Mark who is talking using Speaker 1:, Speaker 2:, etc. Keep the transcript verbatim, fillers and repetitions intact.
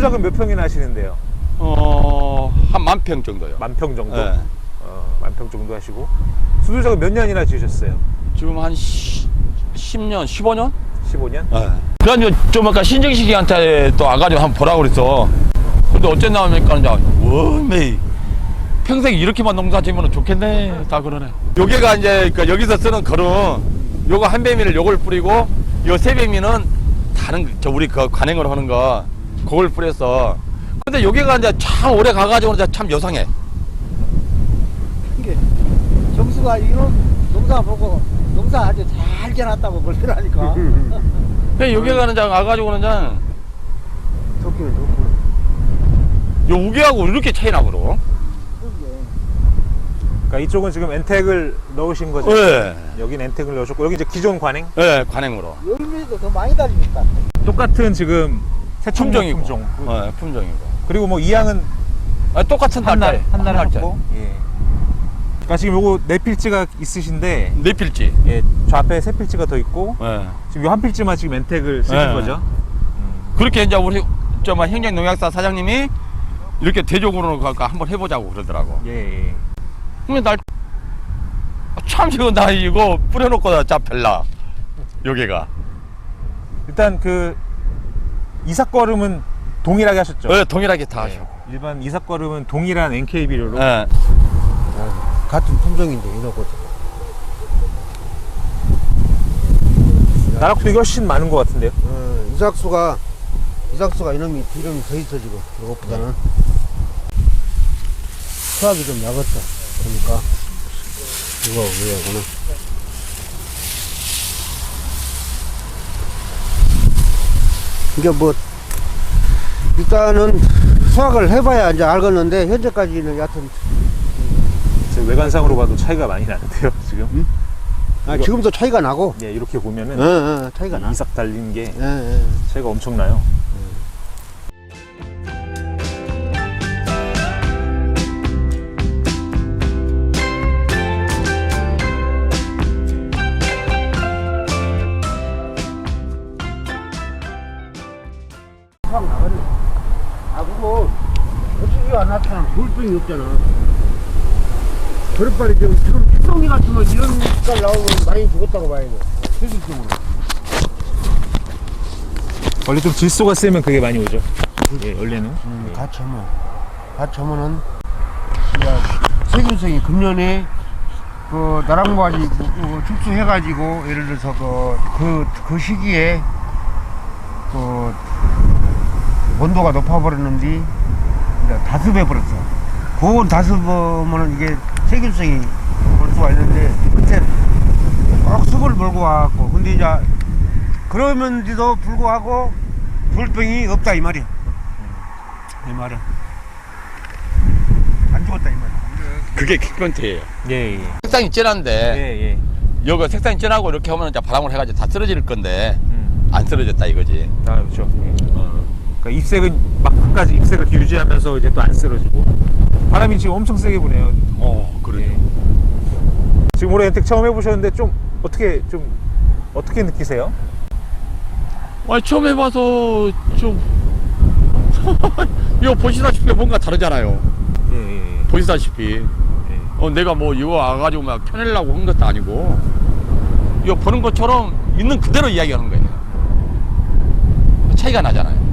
Speaker 1: 수조작은 몇 평이나 하시는데요?
Speaker 2: 어, 한 만 평 정도요.
Speaker 1: 만 평 정도?
Speaker 2: 네.
Speaker 1: 어, 만 평 정도 하시고. 수조작은 몇 년이나 지으셨어요?
Speaker 2: 지금 한 십 년, 십오 년?
Speaker 1: 십오 년?
Speaker 2: 네. 그래가지고 좀 아까 신정식이한테 또 와가지고 한번 보라고 그랬어. 근데 어째 나오니까 이제 워메이 평생 이렇게만 농사 지으면 좋겠네 다 그러네. 요게가 이제 그러니까 여기서 쓰는 거름, 요거 한 배미를 요걸 뿌리고 요 세 배미는 다른 저 우리 그 관행으로 하는 거 그걸 뿌렸어. 근데 요게가 이제 참 오래 가가지고 이제 참 요상해.
Speaker 3: 이게 정수가 이런 농사 보고 농사 아주 잘 지어놨다고 그러더라니까.
Speaker 2: 근데 요게가 이제 와가지고는 이제
Speaker 3: 좋기는 좋고.
Speaker 2: 요 우개하고 이렇게 차이 나거든.
Speaker 1: 그러니까 이쪽은 지금 엔텍을 넣으신 거죠?
Speaker 2: 네.
Speaker 1: 여긴 엔텍을 넣으셨고, 여기 이제 기존 관행?
Speaker 2: 네, 관행으로.
Speaker 3: 열매도 더 많이 달리니까.
Speaker 1: 똑같은 지금 새총목
Speaker 2: 품종이고.
Speaker 1: 품종.
Speaker 2: 네, 품종이고.
Speaker 1: 그리고 뭐 이양은
Speaker 2: 아, 똑같은
Speaker 1: 한 날,
Speaker 2: 달짜리.
Speaker 1: 한 날
Speaker 2: 달짜리.
Speaker 1: 했고. 예. 그러니까 지금 요거 네 필지가 있으신데,
Speaker 2: 네 필지.
Speaker 1: 예, 좌앞에 세 필지가 더 있고,
Speaker 2: 네.
Speaker 1: 지금 요 한 필지만 지금 엔텍을 쓰신
Speaker 2: 네.
Speaker 1: 거죠?
Speaker 2: 그렇게 이제 우리 저뭐 행정농약사 사장님이 이렇게 대적으로 갈까 한번 해보자고 그러더라고.
Speaker 1: 예, 예.
Speaker 2: 근데 날 참 이거 나 이거 뿌려놓고 잡별라 여기가.
Speaker 1: 일단 그 이삭거름은 동일하게 하셨죠?
Speaker 2: 네, 동일하게 다 하셔.
Speaker 1: 일반 이삭거름은 동일한 엔케이 비료로.
Speaker 2: 네.
Speaker 3: 같은 품종인데 이러고.
Speaker 1: 나락수익이 훨씬 많은 것 같은데요?
Speaker 3: 어, 이삭수가 이삭수가 이놈이 이름이 더 있어 지금. 이것보다는 수확이 좀 약었어. 그러니까 이거 왜구나. 이게 뭐 일단은 수확을 해봐야 이제 알겠는데 현재까지는 여하튼
Speaker 1: 지금 외관상으로 봐도 차이가 많이 나는데요, 지금?
Speaker 3: 음? 아,
Speaker 1: 이거-
Speaker 3: 지금도 차이가 나고.
Speaker 1: 예, 이렇게 보면은
Speaker 3: 어, 어, 차이가 나.
Speaker 1: 이삭 달린 게
Speaker 3: 예, 예.
Speaker 1: 차이가 엄청나요.
Speaker 3: 수확 나가네. 아, 그거 어떻게 안 나타나? 돌병이 없잖아. 그래 빨리 지금 지금 피덩이 같으면 이런 색깔 나오면 많이 죽었다고 봐야 돼. 세균성으로.
Speaker 1: 원래 좀 질소가 세면 그게 많이 오죠. 예, 원래는.
Speaker 3: 음, 같이 하면 같이 하면은 이제 세균성이 금년에 그 나랑바지 그 축소해가지고 예를 들어서 그그 그 시기에 그 온도가 높아버렸는데 이제 다습해 버렸어. 그건 다습으면은 이게 세균성이 올 수가 있는데 그때 꼭 습을 몰고 와갖고 근데 이제 그러면서도 불구하고 돌병이 없다 이 말이야. 이 말이야. 안 죽었다 이 말이야.
Speaker 2: 그게 킥포인트예요.
Speaker 1: 예, 예.
Speaker 2: 색상이 진한데
Speaker 1: 예, 예.
Speaker 2: 여기 색상이 진하고 이렇게 하면 이제 바람을 해가지고 다 쓰러질 건데
Speaker 1: 음.
Speaker 2: 안 쓰러졌다 이거지.
Speaker 1: 아, 그렇죠. 예. 그러니까 잎색은 막 끝까지 잎색을 유지하면서 이제 또 안 쓰러지고. 바람이 지금 엄청 세게 부네요.
Speaker 2: 어, 그러죠.
Speaker 1: 예. 지금 올해 엔텍 처음 해보셨는데 좀 어떻게 좀 어떻게 느끼세요?
Speaker 2: 아니 처음 해봐서 좀 이거 보시다시피 뭔가 다르잖아요.
Speaker 1: 예, 예, 예.
Speaker 2: 보시다시피
Speaker 1: 예.
Speaker 2: 어, 내가 뭐 이거 와가지고 막 펴내려고 한 것도 아니고 이거 보는 것처럼 있는 그대로 이야기하는 거예요. 차이가 나잖아요.